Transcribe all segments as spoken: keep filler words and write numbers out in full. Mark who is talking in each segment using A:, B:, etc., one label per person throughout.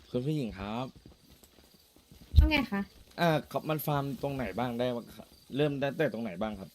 A: คุณผู้หญิงครับ
B: ว่าไงคะ
A: อ่าครับมันฟาร์มตรงไหนบ้างได้บ้างครับเริ่มได้แต่ตรงไหนบ้างครับ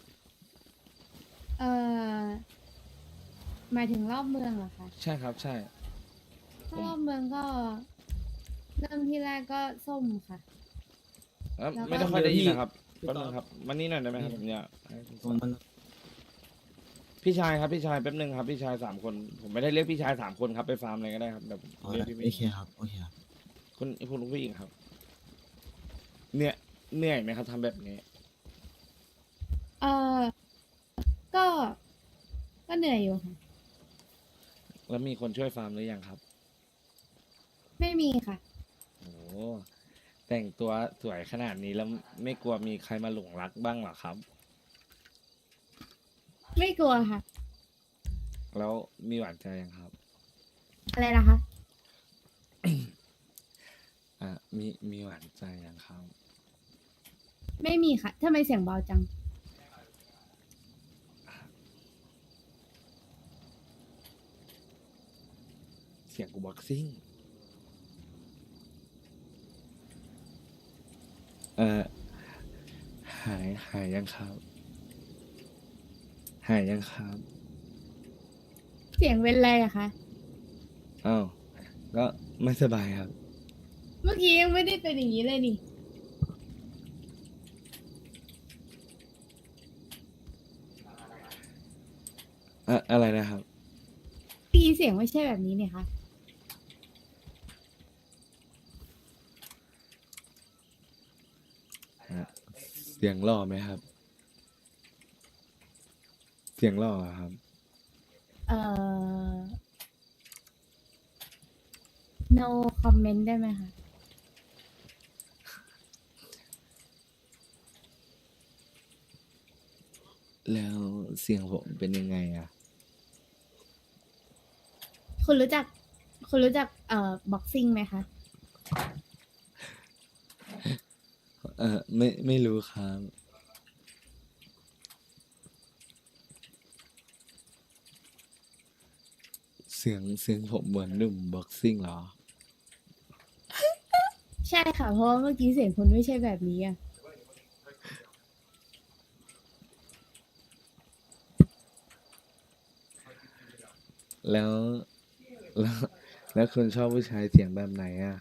B: เอ่อ หมายถึงรอบเมืองเหรอคะ
A: ใช่ครับใช่ผ
B: ถ้าร
A: ม
B: อบเมืองก็ เริ่มที่แรกก็ส้มค่ะ
A: เอ่อ
B: แล้วก็
A: ไม่ได้ค่อยได้ยินนะครับ
C: พี่
A: แป๊บ
C: ต่
A: นึ
C: อง
A: ครับมานี่หน่อยได้ไหมครับผมอยากให้คุณ
C: ผมมัน
A: พี่ชายครับพี่ชายแป๊บนึงครับพี่ชายสามคน ผมไม่ได้เรียกพี่ชายสามคนครับไปฟาร์มอะไรก็ได้ครับแบบ
C: อ๋อ
A: เรียกพี่
C: โอ
A: ผู้ห
C: เค
A: ญิง
C: ครับโอเคครับ
A: คุณคุณผู้หญิงครับเหนื่อยเหนื่อยไหมครับทำแบบนี้
B: เอ่อ ก็ ก็เหนื่อยอยู่ค่ะ
A: แล้วมีคนช่วยฟาร์มหรือยังครับ
B: ไม่มีค่ะ
A: โอ้แต่งตัวสวยขนาดนี้แล้วไม่กลัวมีใครมาหลงรักบ้างเหรอครับ
B: ไม่กลัวค่ะ
A: แล้วมีหวานใจยังครับ
B: อะไรนะคะ
A: อ่ามีมีหวานใจยังครับ
B: ไม่มีค่ะทำไมเสียงเบาจัง
A: เสียงกูบ็อกซิ่ง เอ่อ หายหายยังครับ หายยังครับ
B: เสียงเป็นไรอะคะ
A: อ้าว ก็ไม่สบายครับ
B: เมื่อกี้ยังไม่ได้เป็นอย่างนี้เลยนี่
A: อะอะไรนะครับ
B: เมื่อกี้เสียงไม่ใช่แบบนี้เนี่ยคะ
A: อ่ะเสียงหล่อไหมครับ เสียงหล่อครับ
B: เอ่อ no comment ได้ไหมคะ
A: แล้วเสียงผมเป็นยังไงอะ
B: คุณรู้จัก คุณรู้จัก เอ่อ บ็อกซิ่งไหมคะ
A: เออไม่ไม่รู้ครับ เสียงเสียงผมเหมือนหนุ่มบ็อกซิ่งเหรอ
B: ใช่ค่ะ เพราะว่าเมื่อกี้เสียงคุณไม่ใช่แบบนี้อะ
A: แล้วแล้ว แล้วคุณชอบผู้ชายเสียงแบบไหนอ่ะ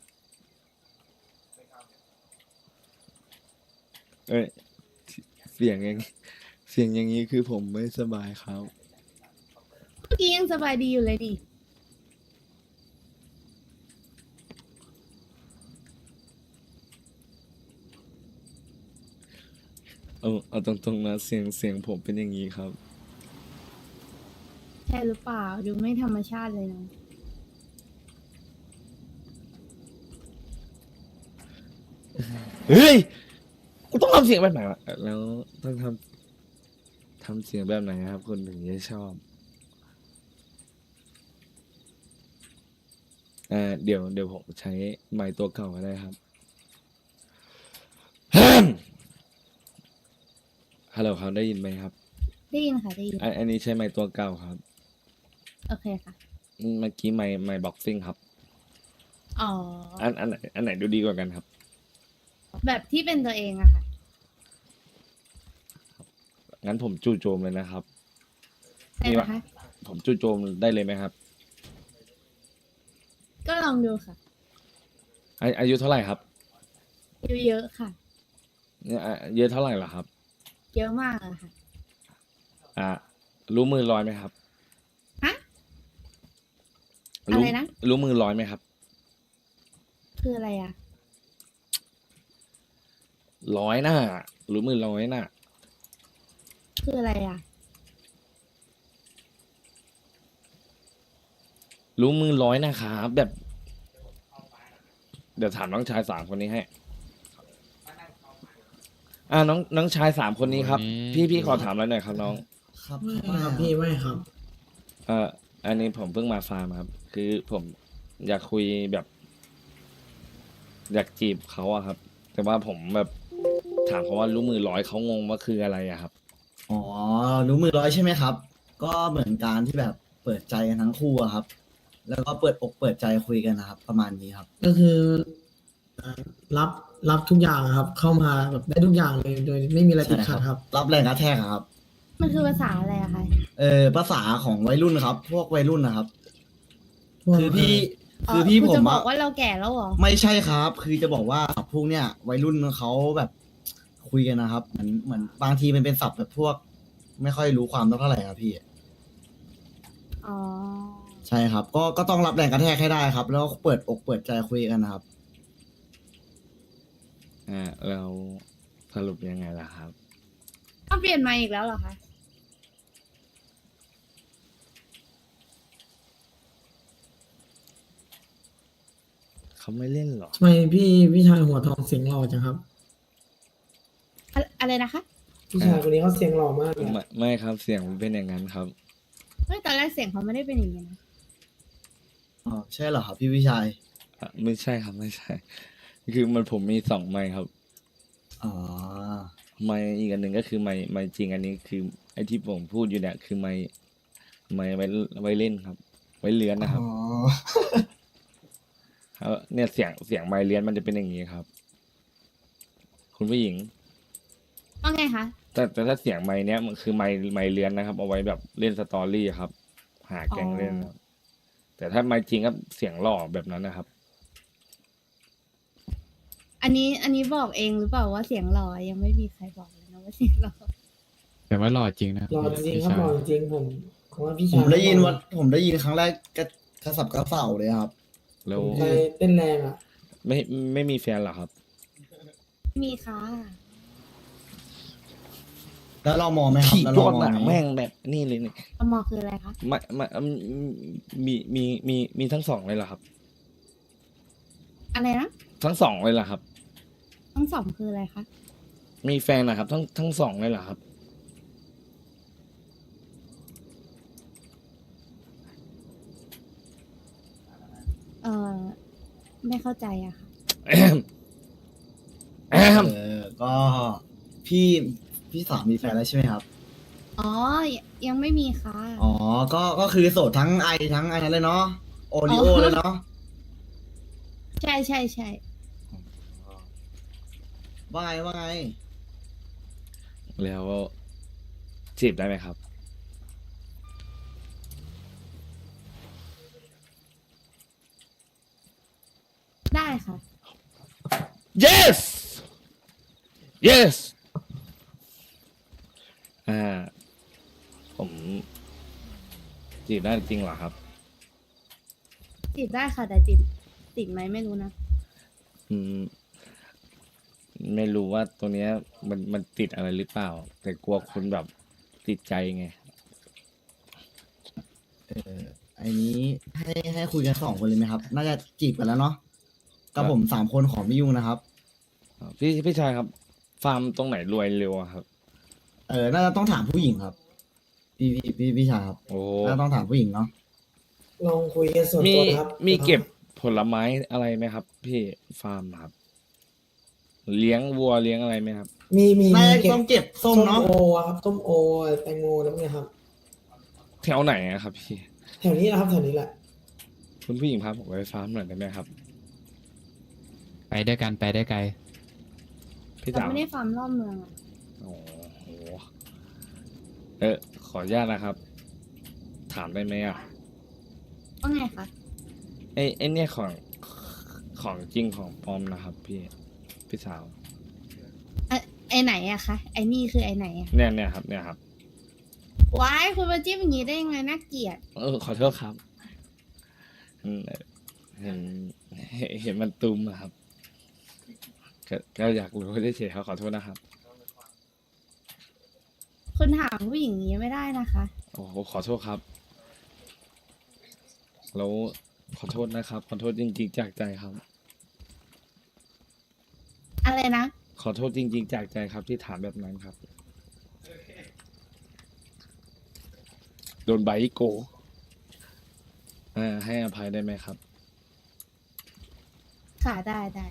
A: เอ้ยเสียงอย่างเสียงอย่างนี้คือผมไม่สบายครับ
B: เมื่อกี้ยังสบายดีอยู่เลยดิ
A: เอาเอาตรงๆนะเสียงเสียงผมเป็นอย่างนี้ครับ
B: ใช่หรือเปล่า ดูไม่ธรรมชาติเลยนะ
A: เฮ้ย กูต้องทำเสียงแบบไหนวะแล้วต้องทำทำเสียงแบบไหนครับคนถึงจะชอบอ่าเดี๋ยวเดี๋ยวผมใช้ไมค์ตัวเก่าก็ได้ครับ ฮัลโหลครับได้ยินไหมครับ
B: ได้ยินค่ะได้ยิน
A: อันอันนี้ใช้ไมค์ตัวเก่าครับ
B: โอเคค่ะ
A: อืมเมื่อกี้ไมค์ไมค์บ็อกซิ่งครับ
B: อ๋อ
A: อันอันไหนอันไหนดูดีกว่ากันครับ
B: แบบที่เป็นตัวเองอะค่ะ
A: งั้นผมจู่โจมเลยนะครับ
B: ได้
A: นี่
B: ไหม
A: วะ
B: คะ
A: ผมจู่โจมได้เลยไหมครับ
B: ก็ลองดูค่ะ
A: อาอายุเท่าไหร่ครับ
B: เยอะๆค่ะ
A: เนี่ยอ่ะเยอะเท่าไหร่ล่ะครับ
B: เยอะมากอะค่ะ
A: อ่า รู้มือลอยไหมครับ
B: ฮะ อะไรนะ
A: รู้มือลอยไหมครับ
B: คืออะไรอะ
A: ร้อยหน้ารู้มือร้อยหน้า
B: คืออะไรอะ
A: รู้มือร้อยนะครับแบบ เดี๋ยวถามน้องชายสามคนนี้ให้ อ่าน้องน้องชายสามคนนี้ครับ พี่พี่ขอถามอะไรหน่อยครับน้อง
C: ครับ
D: ไม่ครับพี่ไม่ครับ
A: เอ่ออันนี้ผมเพิ่งมาฟาร์มครับ คือผมอยากคุยแบบ อยากจีบเขาอะครับ แต่ว่าผมแบบถามเขาว่ารู้มือร้อยเขางงว่าคืออะไรอะครับ
C: อ๋อรู้มือร้อยใช่ไหมครับ ก็เหมือนการที่แบบเปิดใจกันทั้งคู่อะครับแล้วก็เปิดอกเปิดใจคุยกันนะครับ ประมาณนี้ครับ
D: ก็คือเอ่อรับรับทุกอย่างครับ เข้ามาแบบได้ทุกอย่างเลยโดยไม่มีอะไรติ
C: ใช่
D: ดขัดครับ
C: รับแรงกระแทกอะครับ
B: มันคือภาษาอะไรอะคะ
C: เออภาษาของวัยรุ่นครับ พวกวัยรุ่นนะครับ
D: พวก
C: คือพี่
B: อ๋อ
C: คือพี่
B: คุณ
C: ผม
B: จะบอ
C: อะ
B: กว่าเราแก่แล้วเหรอ
C: ไม่ใช่ครับ คือจะบอกว่าพวกเนี้ยวัยรุ่นเขาแบบคุยกันนะครับ เหมือนเหมือนบางทีมันเป็นศัพท์แบบพวก ไม่ค่อยรู้ความเท่าไหร่ครับพี่
B: อ๋อ
C: ใช่ครับ ก็ก็ต้องรับแรงกระแทกให้ได้ครับ แล้วเปิดอกเปิดใจคุยกันนะครับ
A: อ่าแล้วสรุปยังไงล่ะครับ
B: ต้องเปลี่ยนมาอีกแล้วเหรอคะ
A: เขาไม่เล่นหรอ
D: ทำไมพี่พี่ชายหัวทองเสียงหล่อจังครับ
B: อะอะไรนะคะ
D: พี่ชายคนนี้เขาเสียงหล่อมากเลย
A: ไม่ไม่ครับเสียงมันเป็นอย่างนั้นครับ
B: เฮ้ยตอนแรกเสียงเขาไม่ได้เป็นอย่างนี้นะ
C: อ๋อ ใช่เหรอครับพี่วิชัย
A: อ่ะไม่ใช่ครับไม่ใช่ คือมันผมมีสองไมค์ครับ
C: อ๋อ
A: ไมค์อีกอันหนึ่งก็คือไมค์ไมค์จริงอันนี้คือไอ้ที่ผมพูดอยู่เนี่ยคือไมค์ไมค์ไว้ไว้เล่นครับ ไว้เลื้อนนะครับ
C: อ๋อ
A: ครับเนี่ยเสียงเสียงไมค์เลื้อนมันจะเป็นอย่างนี้ครับ คุณผู้หญิง
B: ว่าไงคะ
A: แต่แต่ถ้าเสียงไมค์เนี้ยมันคือไมค์ไมค์เลื้อนนะครับ เอาไว้แบบเล่นสตอรี่ครับ หาแก๊งเล่นครับแต่ถ้าไมค์จริงก็เสียงหล่อแบบนั้นนะครับ
B: อันนี้อันนี้บอกเองหรือเปล่าว่าเสียงหล่อยังไม่มีใครบอกเลยนะว่าเสียงหล่อ
E: แต่ว่าหล่อจริงนะ
D: หล่อจริงๆครับ
E: พี่ชาย
D: หล่อจริงๆผมผมว่าพี่
C: ผ
D: ชาย
C: มได้ยินว่าผมได้ยินครั้งแรกกระกระสับกระเส่าเลยครับ
A: แล้
D: ผ
A: ว
D: มใจเต้นแรงอ่ะ
A: ไม่ไม่มีแฟนเหรอครับ
B: ไม่มีค่ะ
C: แล้วเรามองไหมครับ
A: ขี่
C: แล้ว
A: ย
C: เรา
A: อด
C: มอง
A: หนา
C: ไหม
A: แม่งแบบนี่เลยนี่
B: อมอคืออะไรคะ
A: ไม่ไม่อืมมีมีมีมีทั้งสองเลยเหรอครับ
B: อะไรนะ
A: ทั้งสองเลยเหรอครับ
B: ทั้งสองคืออะไรคะ
A: มีแฟนนะครับ ทั้งทั้งสองเลยเหรอครับ
B: เออไม่เข้าใจอะค่ะ
A: แอมแอม
C: เออ ก็พี่พี่สาวมีแฟนแล้วใช่ไหมครับ
B: อ๋อ ยังไม่มีค่ะ
C: อ๋อ ก็ก็คือโสดทั้งไอทั้งไอนั้นเลยเนาะ โอริโอ
B: อ๋อ
C: เลยเนาะ
B: ใช่ใช่ใช่
C: ว่าไงว่าไง
A: แล้วจีบได้ไหมครับ
B: ได้ค่ะ
A: yes yes อ่า ผมจีบได้จริงเหรอครับ
B: ติดได้ค่ะ แต่ติดติดไหมไม่รู้นะ
A: อืม ไม่รู้ว่าตัวเนี้ย มันมันติดอะไรหรือเปล่า แต่กลัวคุณแบบติดใจไง
C: เออไอนี้ให้ให้คุยกันสองคนเลยไหมครับ น่าจะจีบกันแล้วเนาะ กับผมสามคนของพี่ยุ่งนะครับ
A: อ่าพี่พี่ชายครับ ฟาร์มตรงไหนรวยเร็วอะครับ
C: เออ น่าจะต้องถามผู้หญิงครับ พี่พี่พี่พี่ชายครับ
A: โอ้
C: น่าจะต้องถามผู้หญิงเนาะ
D: ลองคุยกันส่วน
A: มี
D: ตัวนะครับ
A: มีเก็บผลไม้อะไรไหมครับ พี่ฟาร์มครับ เลี้ยงวัวเลี้ยงอะไรไหมครับ
D: มีมี
C: น่า
D: มี
C: จะ
D: เก็บ
C: ต้องเก็บส้มเนาะ
D: โออะครับส้มโอแตงโมแล้วเนี่ยครับ
A: แถวไหนอะครับ พี่
D: แถวนี้นะครับแถวนี้แหละ
A: คุณผู้หญิงพาผมไปฟาร์มหน่อยได้ไหมครับ
E: ไปด้วยกันไปได้ไกล
A: พี่
B: เรา
A: สาว
B: ไม่ได้ฟาร์มรอบเมืองอะ
A: โอ้โหเออขออนุญาตนะครับ ถามได้ไหมอ่ะ
B: ว่าไงคะ
A: ไอ้ไอ้เนี่ยของของจริงของปลอมนะครับ พี่พี่สาว
B: ไอไอไหนอะคะไอนี่คือไอไหนอะ
A: เนี่ยเนี่ยครับ เนี่ยครับ
B: ว้ายคุณมาจิ้มอย่างนี้ได้ยังไงน่าเกลียด
A: เออขอโทษครับอืมเห็นเห็นเห็นมันตุ้มอะครับก็ก็อยากรู้ได้เฉยๆครับขอโทษนะครับ
B: คุณถามผู้หญิงอย่างนี้ไม่ได้นะคะ
A: โอ้โหขอโทษครับ แล้วขอโทษนะครับ ขอโทษจริงๆจากใจครับ
B: อะไรนะ
A: ขอโทษจริงๆจากใจครับที่ถามแบบนั้นครับ โดนใบโกเอ่าให้อภัยได้ไหมครับ
B: ค่ะได้ได้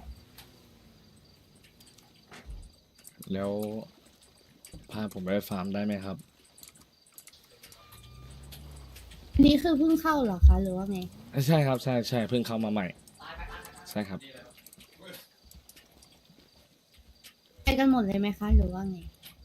A: แล้วพาผมไปฟาร์มได้ไหมครับ
B: อันนี้คือเพิ่งเข้าเหรอคะหรือว่าไง
A: ใช่ครับใช่ใช่เพิ่งเข้ามาใหม่ ใช่ครับ
B: ไปกันหมดเลยไหมคะ หรือว่าไง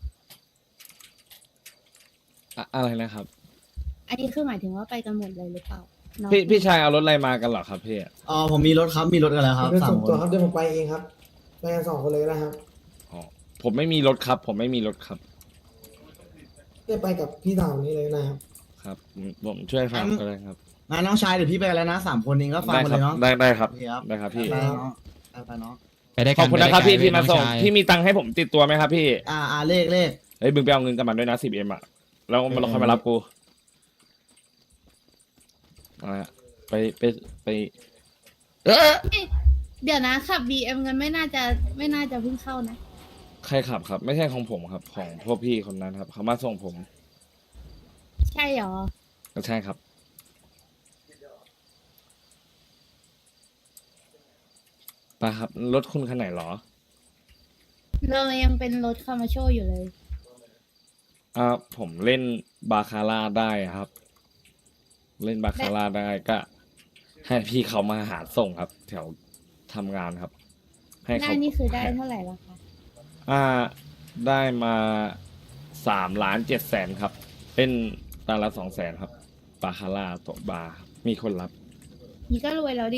A: อะอะไรนะครับ
B: อันนี้คือหมายถึงว่าไปกันหมดเลยหรือเปล่าน้อง
A: พี่พี่ชายเอารถอะไรมากันเหรอครับพี่
C: อ๋อผมมีรถครับมีรถกันแล้วครับ
D: เป็น
C: สา
D: ส่
C: ม
D: วน
C: ค
D: ตัวน ครับเดี๋ยวผมไปเองครับไปกันสองคนเลยก็ได้ครับ
A: อ๋อผมไม่มีรถครับ ผมไม่มีรถครับ
D: เดี๋ยวไปกับพี่สาวนี้เลยนะครับ
A: ครับผมผมช่วยฟังก็ได้ครับ
C: งั้นน้องชายเดี๋ยวพี่ไปกันแล้วนะสามคนเองก็ฟัง
A: ได้
C: มา
A: ค
C: เล
A: รับ
C: ยเนาะ
A: ได้ได้ครับ
C: โอเคครับ
A: ได้ครับพี่
C: ไปเนาะไปไปเนาะ
E: ไปได้
A: ข
E: กั
A: อบ
E: น
A: คุณนะครับ
E: ไป
A: พี่
E: ได้
A: ที่
E: กัน
A: มาส่ง
E: น้อชย
A: พี่มีตังค์ให้ผมติดตัวไหมครับพี่
C: อ่าอ่าเลขเลข
A: เฮ้ยมึงไปเอาเงินกับมันด้วยนะสิบเอ็มอ่ะแล้วมันเราค่อยมารับกูอะไรอะไปไปไปเอ๊ะ
B: เดี๋ยวนะขับ บี เอ็ม กันไม่น่าจะไม่น่าจะเพิ่งเข้านะ
A: ใครขับครับ ไม่ใช่ของผมครับ ของพวกพี่คนนั้นครับเขามาส่งผม
B: ใช่เหรอ
A: ก็ใช่ครับไปครับรถคุณคันไหนเหรอ
B: เรายังเป็นรถคามาโชอยู่เลย
A: อ่าผมเล่นบาคาร่าได้ครับ เล่นบาคาร่าได้ก็ ให้พี่เขามาหาส่งครับ แถวทำงานครับ ให้
B: ได้
A: เขา
B: นี่คือได้เท่าไหร่แล้วคะ
A: อ่าได้มาสามล้านเจ็ดแสนครับเล่นตาละสองแสนครับบาคาร่าตัวบาร์มีคนรับ
B: นี่ก็รวยแล้วดิ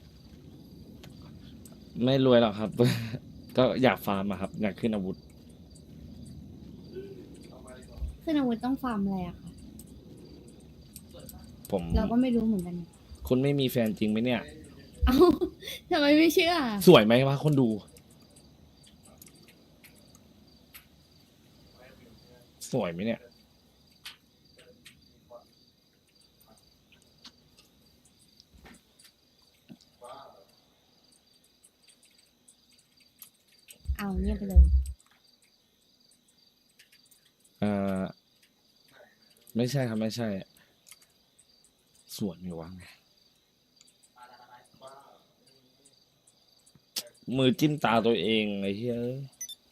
A: ไม่รวยหรอกครับ ก็อยากฟาร์มอะครับ อยากขึ้นอาวุธ
B: ขึ้นอาวุธต้องฟาร์มอะไรอะคะ
A: ผม
B: เราก็ไม่รู้เหมือนกัน
A: คุณไม่มีแฟนจริงไหมเนี่ย
B: เอ้าทำไมไม่เชื่อ
A: สวยไหมวะคนดู สวยไหมเนี่ย
B: เอาเงียบไปเลย
A: เอ่อไม่ใช่ครับไม่ใช่ สวยไหมวะมือจิ้มตาตัวเองไอ้เหี้ยเอ้ย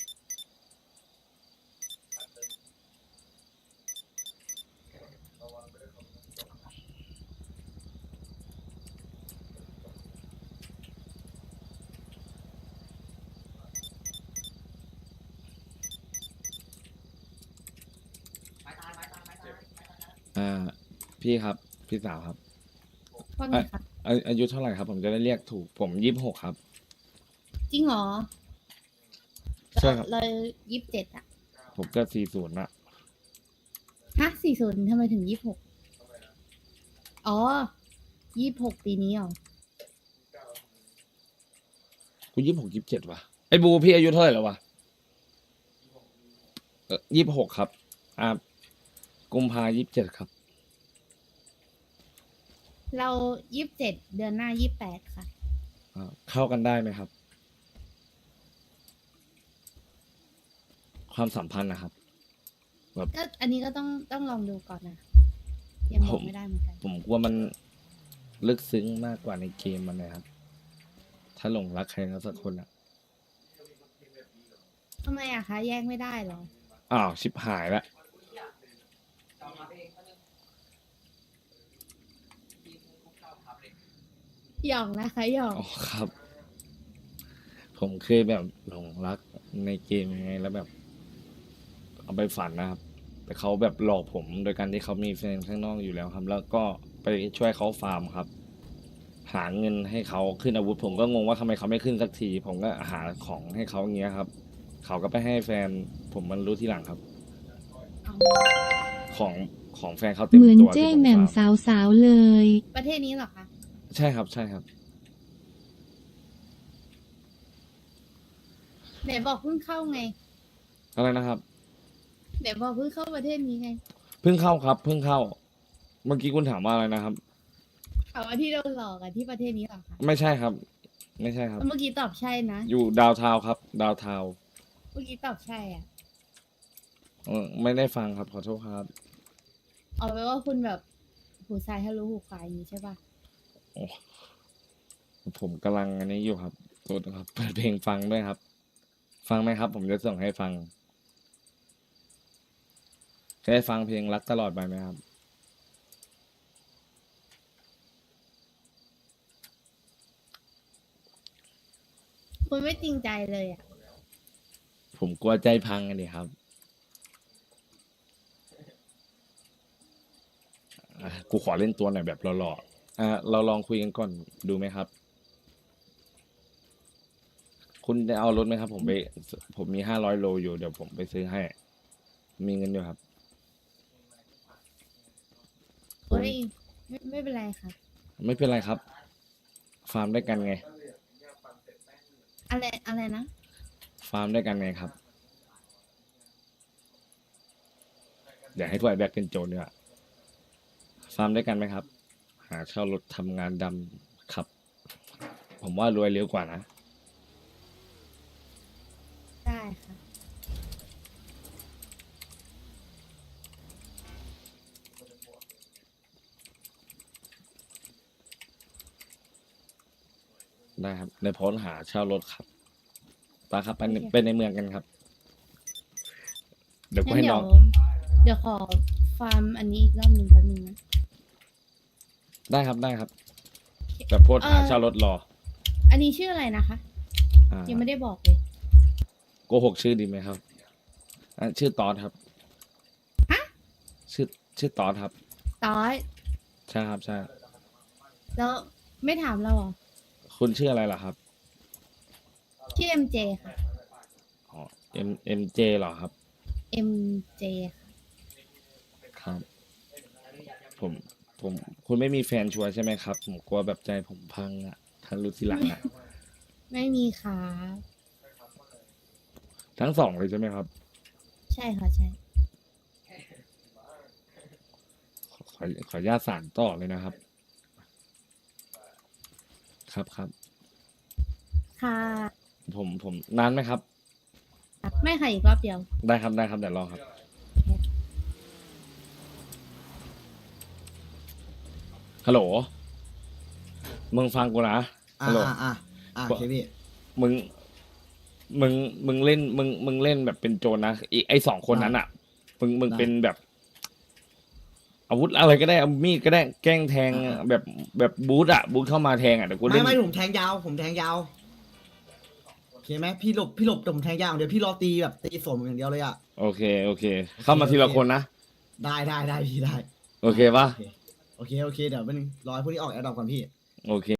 A: อ่า พี่ครับ พี่สาวครับ
B: ว่าไงคะ
A: อาอายุเท่าไหร่ครับ ผมจะได้เรียกถูก ผมยี่สิบหกครับ
B: จริงเหรอ
A: ใช่ครับ
B: เรายี่สิบเจ็ดอะ
A: ผมก็สี่ศูนย์ละ
B: ฮะสี่ศูนย์ทำไมถึงยี่สิบหกอ๋อยี่สิบหกปีนี้เหรอ
A: กูยี่สิบหกยี่สิบเจ็ดวะไอ้บูพี่อายุเท่าไหร่แล้ววะเออยี่สิบหกครับ อ่ากุมภายี่สิบเจ็ดครับ
B: เรายี่สิบเจ็ดเดือนหน้ายี่สิบแปดค่ะ
A: อ่าเข้ากันได้ไหมครับ ความสัมพันธ์นะครับ
B: ก็อันนี้ก็ต้องต้องลองดูก่อนนะ ยังบ
A: ผ
B: อก
A: ม
B: ไม่ได้เหมือนกัน
A: ผมกลัวมันลึกซึ้งมากกว่าในเกมมันนะครับ ถ้าหลงรักใครสักคนอ่ะ
B: ทำไมอะคะ แยกไม่ได้เหรอ
A: อ้าวชิบหายละ
B: หยอกนะคะหยอก
A: อ๋อครับ ผมเคยแบบหลงรักในเกมยังไงแล้วแบบ เอาไปฝันนะครับ แต่เขาแบบหลอกผมโดยการที่เขามีแฟนข้างนอกอยู่แล้วครับ แล้วก็ไปช่วยเขาฟาร์มครับ หาเงินให้เขาขึ้นอาวุธ ผมก็งงว่าทำไมเขาไม่ขึ้นสักที ผมก็หาของให้เขาอย่างเงี้ยครับ เขาก็ไปให้แฟน ผมมันรู้ทีหลังครับ ของของแฟนเขาเต็ม
F: เหมือน
A: ตัว
F: เจ้
A: ที่ผม
F: แหม่ม
A: ฟาร์ม
F: สาวๆเลย
B: ประเทศนี้เหรอคะ
A: ใช่ครับใช่ครับ
B: ไหนบอกเพิ่งเข้าไง
A: อะไรนะครับ
B: ไหนบอกเพิ่งเข้าประเทศนี้ไง
A: เพิ่งเข้าครับ เพิ่งเข้า เมื่อกี้คุณถามว่าอะไรนะครับ
B: ถามว่าที่โดนหลอกอะที่ประเทศนี้เหรอคะ
A: ไม่ใช่ครับ ไม่ใช่ครับ
B: เมื่อกี้ตอบใช่นะ
A: อยู่ดาวเทาวน์ครับ ดาวเทาวน์
B: เมื่อกี้ตอบใช่อะ
A: เออไม่ได้ฟังครับขอโทษครับ
B: เอาไว้ว่าคุณแบบหูซ้ายทะลุหูขวาอย่างนี้ใช่ป่ะ
A: โอ้ผมกำลังอันนี้อยู่ครับโทษนะครับเปิดเพลงฟังด้วยครับ ฟังไหมครับ ผมจะส่งให้ฟังจะได้ฟังเพลงรักตลอดไปไหมครับ
B: คุณไม่จริงใจเลยอ่ะ
A: ผมกลัวใจพังกันดิครับอ่ะกูขอเล่นตัวหน่อยแบบหล่อๆอ่ะเราลองคุยกันก่อนดูไหมครับ คุณจะเอารถไหมครับ ผมไป ผมมีห้าร้อยโลอยู่เดี๋ยวผมไปซื้อให้ มีเงินอยู่ครับ
B: โอ้ยไม่ไม่เป็นไรค่ะ
A: ไม่เป็นไรครับ ฟาร์มด้วยกันไง
B: อะไรอะไรนะ
A: ฟาร์มด้วยกันไงครับ เดี๋ยวให้ถ้วยแบกเป็นโจรดีกว่าฟาร์มด้วยกันไหมครับ หาเช่ารถทำงานดำครับ ผมว่ารวยเร็วกว่านะ
B: ได้ค่ะ
A: ได้ครับ ในโพสต์หาเช่ารถครับไปครับไปใน
B: โอเค
A: ไปในเมืองกันครับ เดี๋ยวกู
B: งั้น
A: ให้
B: เดี๋
A: น้
B: ย
A: อ
B: ว
A: ง
B: เดี๋ยวขอฟาร์มอันนี้อีกรอบหนึ่งแป๊บนึงนะ
A: ได้ครับได้ครับแบบโพสต์หา
B: เอ่อ
A: เช่ารถรอ
B: อันนี้ชื่ออะไรนะคะ
A: อ่า
B: ยังไม่ได้บอกเลย
A: โกหกชื่อดีไหมครับอ่ะชื่อตอดครับ
B: ฮะ
A: ชื่อชื่อตอดครับ
B: ตอย
A: ใช่ครับใช่
B: แล้วไม่ถามเราเหรอ
A: คุณชื่ออะไรล่ะครับ
B: ชื่อ เอ็ม เจ ค่ะ
A: อ๋อ M M J เหรอครับ
B: เอ็ม เจ ค่ะ
A: ครับ ผมผม คุณไม่มีแฟนชัวร์ใช่ไหมครับ ผมกลัวแบบใจผมพังอ่ะถ้ารู้ทีหลังอ่ะ
B: ไม่มีค่ะ
A: ทั้งสองเลยใช่ไหมครับ
B: ใช่ค่ะใช่
A: ขอขอขออนุญาตสารต่อเลยนะครับ ครับครับ
B: ค่ะ
A: ผมผมนานไหมครับ
B: ไม่ค่ะอีกรอบเดียว
A: ได้ครับได้ครับเดี๋ยวรอครับ ฮัลโหล มึงฟังกูนะ
C: อ่า
A: ฮัลโหล
C: อ่าอ่าอ่าโอเคพี่
A: มึง มึง มึงเล่น มึง มึงเล่นแบบเป็นโจรนะอีไอสองคนนั้นอ่ะ มึง มึง
C: ได้
A: เป็นแบบ อาวุธอะไรก็ได้เอามีดก็ได้ แกล้งแทง
C: อ่า
A: แบบแบบบูทอ่ะ บูทเข้ามาแทงอ่ะเดี๋ยวกูเล่
C: ไม่
A: น
C: ไม่ผมแทงยาว ผมแทงยาวโอเคไหมพี่หลบพี่หลบแต่ผมแทงยาวเดี๋ยวพี่รอตีแบบตีสมอย่างเดียวเลยอ่ะ
A: โอเค โอเค เข้ามาทีละคนนะ
C: ได้ได้ได้พี่ได้
A: โอเคปะ
C: โอเคโอเคโอเคเดี๋ยวเป็นงรอให้พวกนี้ออกแอร์ดรอปก่อนพี่
A: โอเค